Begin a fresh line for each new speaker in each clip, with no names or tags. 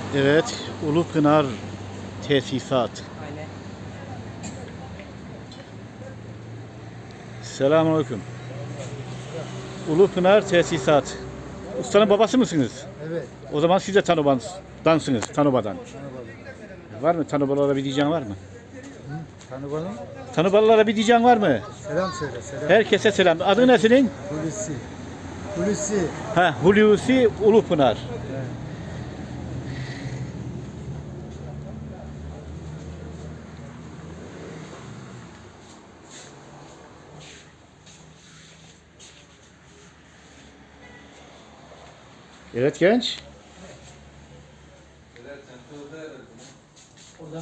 Evet, Ulupınar Tesisat.
Aynen.
Selamünaleyküm. Ulupınar Tesisat. Ustanın babası mısınız?
Evet.
O zaman siz de Tanoba'dansınız, Tanoba'dan. Var mı? Tanobalara bir diyeceğin var mı?
Tanıbalım.
Tanobalara bir diyeceğin var mı?
Selam söyle. Selam.
Herkese selam. Adı ne senin?
Hulusi. Hulusi.
Hulusi Ulupınar.
Evet.
Evet genç.
O zaman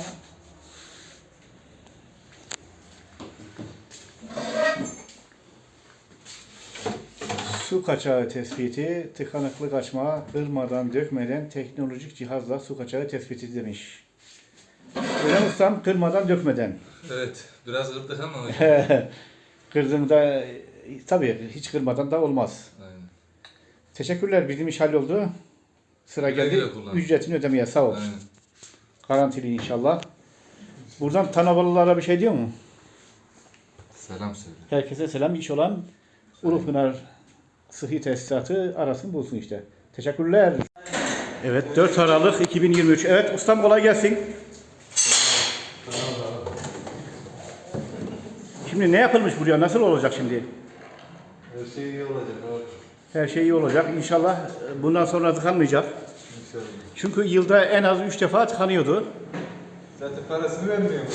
Su kaçağı tespiti, tıkanıklık açma, kırmadan, dökmeden teknolojik cihazla su kaçağı tespiti demiş. Öyle mi ustam? Kırmadan, dökmeden.
Evet, biraz kırdık ama
Kırdığında tabii hiç kırmadan da olmaz.
aynen.
Teşekkürler. Bizim iş halloldu. Sıra
Güle
geldi.
güle kullan.
Ücretini ödemeye sağ ol.
Aynen.
Garantili inşallah. Buradan Tanabalılara bir şey diyor mu?
Selam söyle.
Herkese selam. İş olan Ulupınar Sıhhi Tesisatı arasın bulsun işte. Teşekkürler. Evet 4 Aralık 2023. Evet ustam kolay gelsin. Şimdi ne yapılmış buraya? Nasıl olacak şimdi?
Her şey iyi olacak abi.
Her şey iyi olacak. İnşallah bundan sonra tıkanmayacak.
İnşallah.
Çünkü yılda en az 3 defa tıkanıyordu.
Zaten parasını vermiyormuş.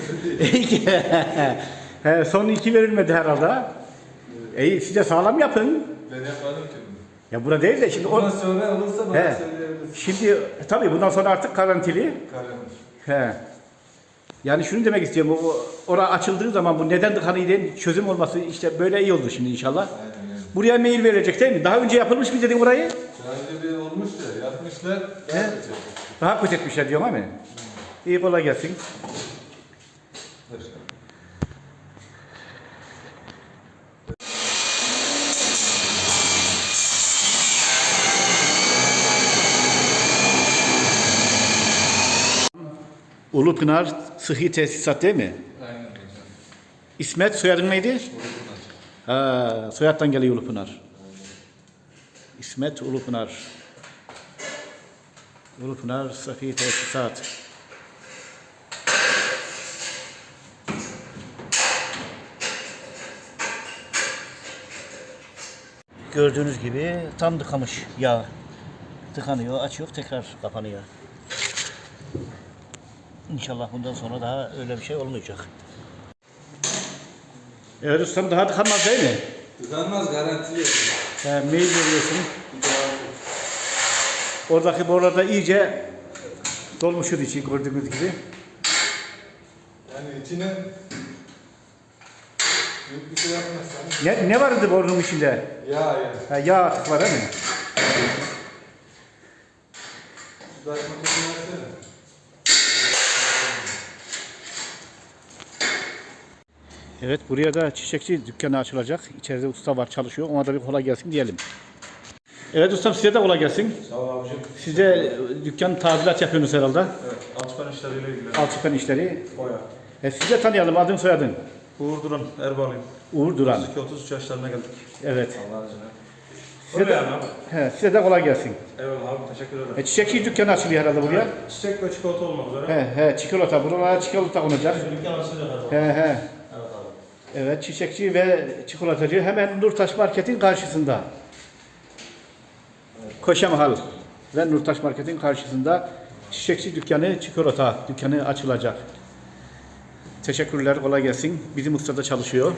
Son 2 verilmedi herhalde. Siz de sağlam yapın.
Ben yapmadım ki bunu.
Ya burada değil de şimdi
Bundan sonra olursa bana
He.
söyleyebilirsin.
Şimdi tabii bundan sonra artık garantili.
Karım.
He. Yani şunu demek istiyorum. Orada açıldığı zaman bu neden tıkanıydı çözüm olması işte böyle iyi oldu şimdi inşallah.
Aynen öyle.
Buraya mail verecek değil mi? Daha önce yapılmış mı dedin burayı?
Daha önce bir olmuş da yapmışlar.
He. Daha kötü etmişler diyorum ama. İyi kolay gelsin. Ulupınar Sıhhi Tesisat değil mi?
Aynen hocam.
İsmet soyadın neydi? Soyaddan geliyor Ulupınar. İsmet Ulupınar. Ulupınar Sıhhi Tesisat. Gördüğünüz gibi tam tıkamış yağ. Tıkanıyor, açıyor, tekrar kapanıyor. İnşallah bundan sonra daha öyle bir şey olmayacak. Evet ustam daha tıkanmaz değil mi?
Tıkanmaz garantili.
Mail veriyorsun. Oradaki borularda iyice dolmuşur içi gördüğünüz gibi.
Yani içine büyük bir şey yapmazsan.
Ne vardı borunun içinde?
Ya.
Yağ atık var değil mi?
Şu taş makinesini versene.
Evet buraya da çiçekçi dükkanı açılacak. İçeride usta var çalışıyor. Ona da bir kolay gelsin diyelim. Evet ustam size de kolay gelsin.
Sağ ol abicim.
Siz de dükkan tadilat yapıyorsunuz herhalde.
Evet, alçıpan işleriyle ilgili.
Alçıpan işleri.
Boya.
Siz de tanıyalım adın soyadın.
Uğur Duran, Erbalıyım.
Uğur Duran.
32-33 yaşlarına geldik.
Evet.
Allah'ın izniyle.
Size
Öyle
de,
yani abi.
size de kolay gelsin.
Eyvallah abi, teşekkür ederim.
Çiçekçi dükkanı açılıyor herhalde buraya.
Çiçek ve çikolata olmak üzere.
Çikolata. Buralara çikolata konacak.
Dükkan açılacak herhalde. Evet abi.
Evet çiçekçi ve çikolatacı hemen Nurtaş Market'in karşısında. Koşamahal ve Nurtaş Market'in karşısında çiçekçi dükkanı, çikolata dükkanı açılacak. Teşekkürler, kolay gelsin. Bizim ustada çalışıyor.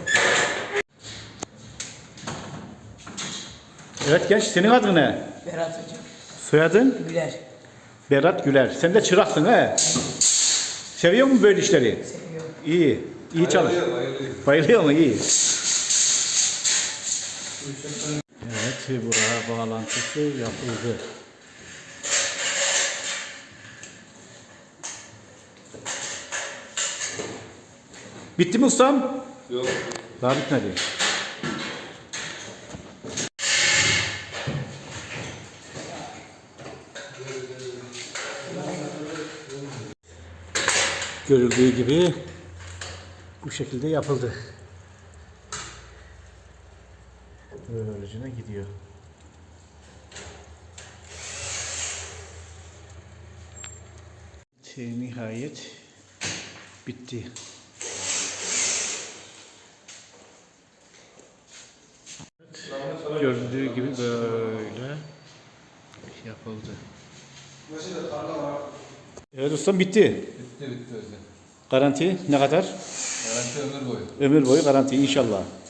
Evet genç, senin adın ne?
Berat Hocam.
Soyadın?
Güler.
Berat Güler. Sen de çıraksın he? Seviyor musun böyle işleri?
Seviyorum.
İyi. İyi çalış.
Bayılıyor.
Bayılıyor mu? İyi. Evet, buraya bağlantısı yapıldı. Bitti mi ustam?
Yok.
Daha bitmedi. Görüldüğü gibi bu şekilde yapıldı. Böylece gidiyor. Nihayet bitti. Görüldüğü gibi böyle yapıldı. Evet ustam bitti.
Bitti hocam.
Garanti ne kadar?
Garanti ömür boyu.
Ömür boyu garanti inşallah.